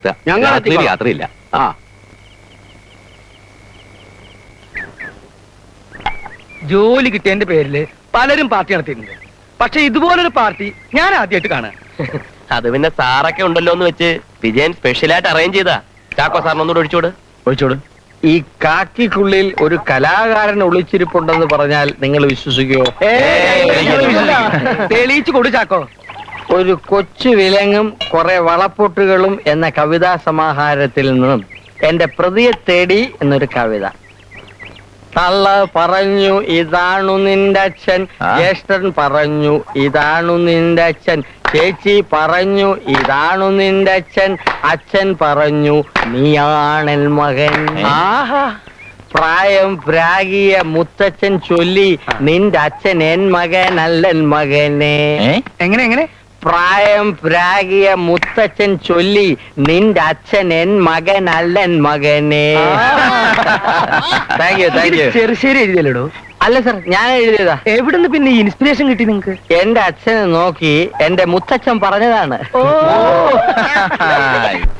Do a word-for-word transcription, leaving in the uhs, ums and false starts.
ഞങ്ങൾ രാത്രിയിൽ യാത്രയില്ല. ആ ജോലി കിട്ടിയതിന്റെ പേരില് പലരും പാർട്ടി നടത്തിയിട്ടുണ്ട്. പക്ഷെ ഇതുപോലൊരു പാർട്ടി ഞാൻ ആദ്യമായിട്ട് കാണാം. അത് പിന്നെ സാറൊക്കെ ഉണ്ടല്ലോ എന്ന് വെച്ച് വിജയൻ സ്പെഷ്യലായിട്ട് അറേഞ്ച് ചെയ്താ. ചാക്കോ സാറിനൊന്നുകൂടെ ഒഴിച്ചോട്. ഒഴിച്ചോട്. ഈ കാക്കിക്കുള്ളിൽ ഒരു കലാകാരൻ ഒളിച്ചിരിപ്പുണ്ടെന്ന് പറഞ്ഞാൽ നിങ്ങൾ വിശ്വസിക്കുമോ? തെളിയിച്ചു കൊടു ചാക്കോ. ഒരു കൊച്ചു വിലങ്ങും കുറെ വളപ്പൊട്ടുകളും എന്ന കവിതാ സമാഹാരത്തിൽ നിന്നും എന്റെ പ്രതിയെ തേടി എന്നൊരു കവിത. തള്ള പറഞ്ഞു ഇതാണു നിന്റെ അച്ഛൻ, ജ്യേഷ്ഠൻ പറഞ്ഞു ഇതാണു നിന്റെ അച്ഛൻ, ചേച്ചി പറഞ്ഞു ഇതാണു നിന്റെ അച്ഛൻ, അച്ഛൻ പറഞ്ഞു നീയാണൽ മകൻ. ആഹാ, പ്രായം പ്രാഗിയ മുത്തച്ഛൻ ചൊല്ലി നിന്റെ അച്ഛൻ എൻ മകനല്ലൻ മകനെ. എങ്ങനെ എങ്ങനെ? പ്രായം പ്രാഗിയ മുത്തച്ഛൻ ചൊല്ലി നിന്റെ അച്ഛൻ എൻ മകനല്ലൻ മകനെ. Thank you thank you. Cherusseri എഴുതിയല്ലോ? അല്ല സർ, ഞാൻ എഴുതിയതാ. എവിടുന്ന് പിന്നെ ഇൻസ്പിറേഷൻ കിട്ടി നിങ്ങക്ക്? എന്റെ അച്ഛനെ നോക്കി എന്റെ മുത്തച്ഛൻ പറഞ്ഞതാണ്. ഓ